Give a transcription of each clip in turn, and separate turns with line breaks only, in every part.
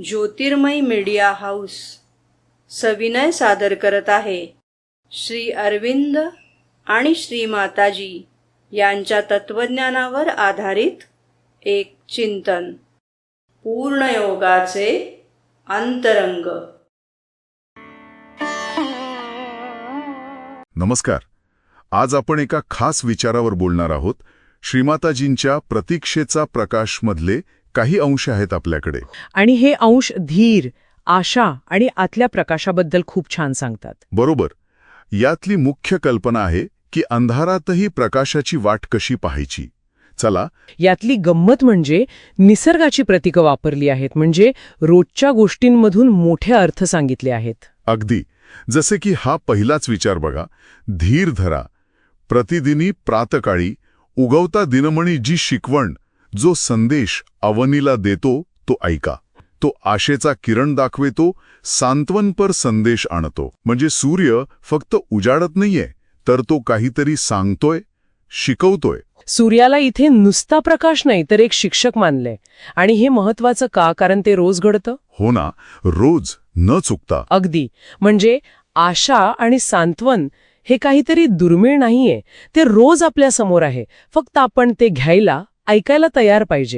ज्योतिर्मय media house सविनय सादर करत आहे श्री अरविंद आणि श्री माताजी यांच्या तत्वज्ञानावर आधारित एक चिंतन, पूर्णयोगाचे अंतरंग.
नमस्कार. आज आपण एका खास विचारावर बोलणार आहोत. श्रीमाताजींच्या प्रतीक्षेचा प्रकाश मधले काही अंश आहेत आपल्याकडे,
आणि हे अंश धीर, आशा आणि आतल्या प्रकाशाबद्दल खूप छान सांगतात.
बरोबर. यातली मुख्य कल्पना आहे की अंधारातही प्रकाशाची वाट कशी पाहायची. चला,
यातली गंमत म्हणजे निसर्गाची प्रतीकं वापरली आहेत, म्हणजे रोजच्या गोष्टींमधून मोठे अर्थ सांगितले आहेत.
अगदी जसे की हा पहिलाच विचार बघा, धीर धरा, प्रतिदिनी प्रातकाळी उगवता दिनमणी जी शिकवण, जो संदेश अवनीला देतो तो ऐका. तो आशेचा किरण दाखवेतो, सांत्वनपर संदेश आणतो. म्हणजे सूर्य फक्त उजाडत नाहीये, तर तो काहीतरी सांगतोय, शिकवतोय.
सूर्याला इथे नुसता प्रकाश नाही तर एक शिक्षक मानलंय. आणि हे महत्वाचं का? कारण ते रोज घडतं.
हो ना, रोज न चुकता.
अगदी. म्हणजे आशा आणि सांत्वन हे काहीतरी दुर्मिळ नाहीये, ते रोज आपल्या समोर आहे. फक्त आपण ते घ्यायला, ऐकायला तयार पाहिजे.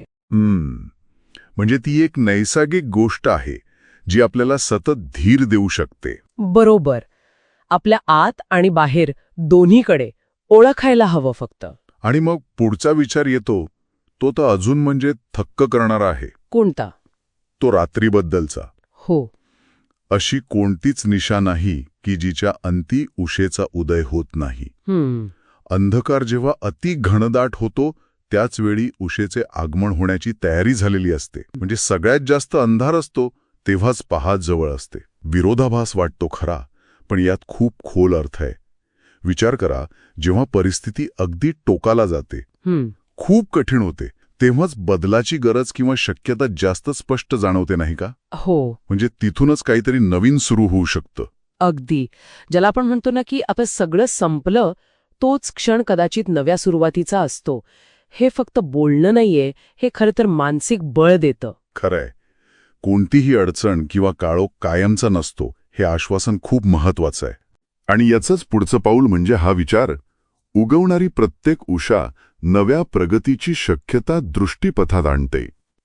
म्हणजे ती एक नैसर्गिक गोष्ट आहे जी आपल्याला सतत धीर देऊ शकते.
बरोबर. आपल्या आत आणि बाहेर दोन्हीकडे ओळखायला हवं फक्त.
आणि मग पुढचा विचार येतो, तो तर अजून म्हणजे थक्क करणारा आहे.
कोणता?
तो रात्रीबद्दलचा.
हो.
अशी कोणतीच निशा नाही की जिच्या अंती उशेचा उदय होत नाही. अंधकार जेव्हा अति घनदाट होतो त्याच वेळी उशेचे आगमन होण्याची तयारी झालेली असते. म्हणजे सगळ्यात जास्त अंधार असतो तेव्हाच पहाट जवळ असते. विरोधाभास वाटतो खरा, पण यात खूप खोल अर्थ आहे. विचार करा, जेव्हा परिस्थिती अगदी टोकाला जाते, खूप कठीण होते, तेव्हाच बदलाची गरज किंवा शक्यता जास्त स्पष्ट जाणवते, नाही का?
हो.
म्हणजे तिथूनच काहीतरी नवीन सुरू होऊ शकतं.
अगदी. ज्याला आपण म्हणतो ना की आपण सगळं संपलं, तोच क्षण कदाचित नव्या सुरुवातीचा असतो. हे फक्त बोलणं नाहीये, हे खरं तर मानसिक बळ देतं.
खरंय. कोणतीही अडचण किंवा काळोख कायमचा नसतो, हे आश्वासन खूप महत्वाचं आहे. आणि याचंच पुढचं पाऊल म्हणजे हा विचार, उगवणारी प्रत्येक उषा नव्या प्रगतीची शक्यता दृष्टीपथात आणते.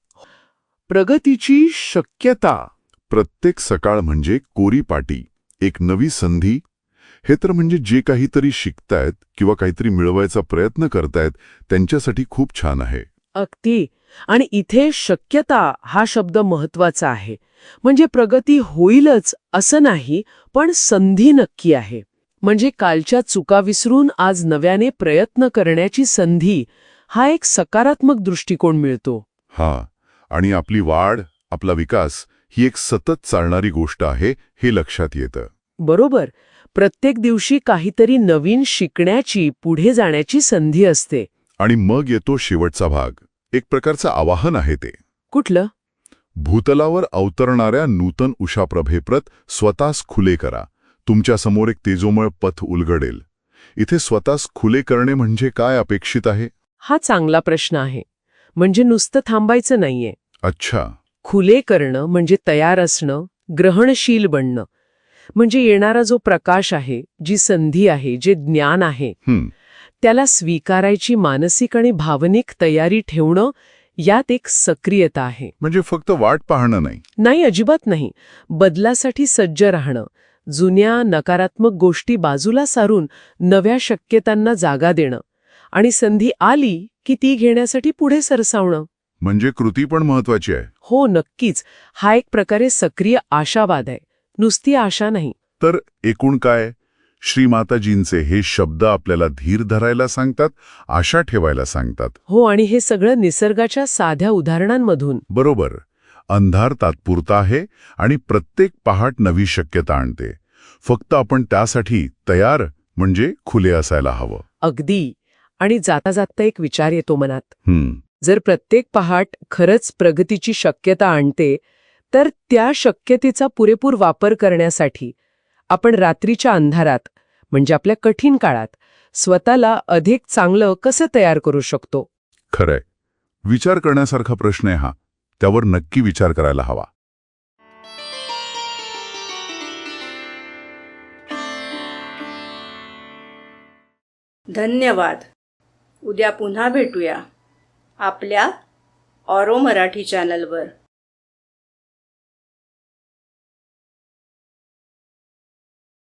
प्रगतीची शक्यता. प्रत्येक सकाळ म्हणजे कोरी पाटी, एक नवी संधी. हे तर म्हणजे जे काहीतरी शिकतायत किंवा काहीतरी मिळवायचा प्रयत्न करतायत त्यांच्यासाठी खूप छान आहे.
अगदी. आणि इथे शक्यता हा शब्द महत्वाचा आहे. म्हणजे प्रगती होईलच असं नाही, पण संधी नक्की आहे. म्हणजे कालच्या चुका विसरून आज नव्याने प्रयत्न करण्याची संधी, हा एक सकारात्मक दृष्टिकोन मिळतो.
हा. आणि आपली वाढ, आपला विकास ही एक सतत चालणारी गोष्ट आहे, हे लक्षात येतं.
बरोबर. प्रत्येक दिवशी काहीतरी नवीन शिकण्याची, पुढे जाण्याची संधी असते.
आणि मग येतो शेवटचा भाग. एक प्रकारचं आवाहन आहे ते.
कुठलं?
भूतलावर अवतरणाऱ्या नूतन उषाप्रभेप्रत स्वतःस खुले करा. तुमच्यासमोर एक तेजोमय पथ उलगडेल. इथे स्वतःस खुले करणे म्हणजे काय अपेक्षित आहे?
हा चांगला प्रश्न आहे. म्हणजे नुसतं थांबायचं नाहीये.
अच्छा.
खुले करणं म्हणजे तयार असणं, ग्रहणशील बनणं. म्हणजे येणारा जो प्रकाश आहे, जी संधी आहे, जे ज्ञान आहे, त्याला स्वीकारायची मानसिक आणि भावनिक तयारी ठेवणं, यात एक सक्रियता आहे.
म्हणजे फक्त वाट पाहणं नाही.
नाही, अजिबात नाही. बदलासाठी सज्ज राहणं, जुन्या नकारात्मक गोष्टी बाजूला सारून नव्या शक्यतांना जागा देणं, आणि संधी आली की ती घेण्यासाठी पुढे सरसावणं.
म्हणजे कृती पण महत्वाची आहे.
हो, नक्कीच. हा एक प्रकारे सक्रिय आशावाद आहे, नुसती आशा नाही.
तर एकूण काय? श्रीमाताजींचे हे शब्द आपल्याला धीर धरायला सांगतात, आशा ठेवायला सांगतात.
हो, आणि हे सगळं निसर्गाच्या साध्या उदाहरणांमधून.
बरोबर. अंधार तात्पुरता आहे आणि प्रत्येक पहाट नवी शक्यता आणते. फक्त आपण त्यासाठी तयार, म्हणजे खुले असायला हवं.
अगदी. आणि जाता जाता एक विचार येतो मनात. जर प्रत्येक पहाट खरंच प्रगतीची शक्यता आणते, तर त्या शक्यतेचा पुरेपूर वापर करण्यासाठी आपण रात्रीच्या अंधारात, म्हणजे आपल्या कठीण काळात, स्वतःला अधिक चांगलं कसं तयार करू शकतो?
खरंय. विचार करण्यासारखा प्रश्न आहे हा. त्यावर नक्की विचार करायला हवा.
धन्यवाद. उद्या पुन्हा भेटूया आपल्या ऑरो मराठी चॅनलवर.